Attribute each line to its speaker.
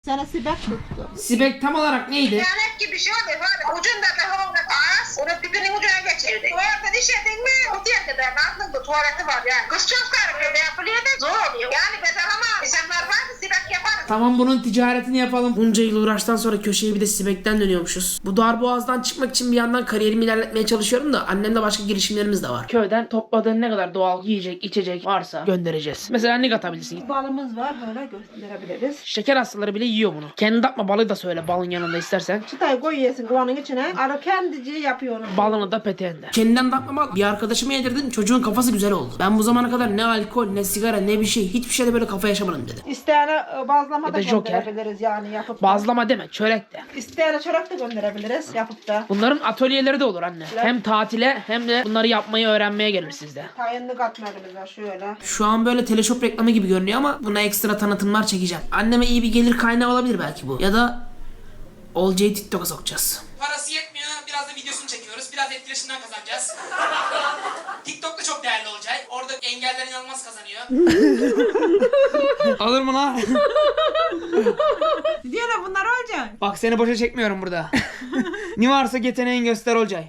Speaker 1: Sana sibek tuttu.
Speaker 2: Sibek tam olarak neydi?
Speaker 3: Kıyamet gibi bir şey oldu. Böyle ucunda da havada ağız. Onu dibinin ucuna geçirdi. Tuvalete işledin mi? O diğer kadar aklında tuvaleti var yani. Kız çocuklar böyle yapılıyor da zor oluyor. Yani bedava insanlar var da sibek yaparız.
Speaker 2: Tamam, bunun ticaretini yapalım. Bunca yıl uğraştan sonra köşeyi bir de Sibek'ten dönüyormuşuz. Bu darboğazdan çıkmak için bir yandan kariyerimi ilerletmeye çalışıyorum da annemle başka girişimlerimiz de var. Köyden topladığın ne kadar doğal yiyecek, içecek varsa göndereceğiz. Mesela ne katabilirsin?
Speaker 1: Balımız var, böyle gösterebiliriz.
Speaker 2: Şeker hastaları bile yiyor bunu. Kendi yapma balığı da söyle balın yanında istersen.
Speaker 1: Çıtayı koyuyorsun kovanın içine. Arı kendici yapıyor onu.
Speaker 2: Balını da peteğinde. Kendinden yapma bal. Bir arkadaşıma yedirdim, çocuğun kafası güzel oldu. Ben bu zamana kadar ne alkol, ne sigara, ne bir şey, hiçbir şeyde böyle kafa yaşamadım dedi.
Speaker 1: İsteyene bazlama
Speaker 2: Ya
Speaker 1: da
Speaker 2: da joker.
Speaker 1: gönderebiliriz yani yapıp da.
Speaker 2: Bazlama deme, çörek de.
Speaker 1: İsteyene çörek de gönderebiliriz yapıp da.
Speaker 2: Bunların atölyeleri de olur anne. Hem tatile hem de bunları yapmayı öğrenmeye gelir sizde.
Speaker 1: Tayinli katmerimiz var şöyle.
Speaker 2: Şu an böyle teleshop reklamı gibi görünüyor ama buna ekstra tanıtımlar çekeceğim. Anneme iyi bir gelir kaynağı olabilir belki bu. Ya da Olcay'ı TikTok'a sokacağız. Parası yetmiyor. Biraz da videosunu çekiyoruz. Biraz etkileşimden kazanacağız. TikTok'ta çok değerli Olcay. Orada engeller inanılmaz kazanıyor. Alır mı lan?
Speaker 1: Diyorlar bunlar olacak.
Speaker 2: Bak seni boşa çekmiyorum burada. Ne varsa yeteneğin göster Olcay.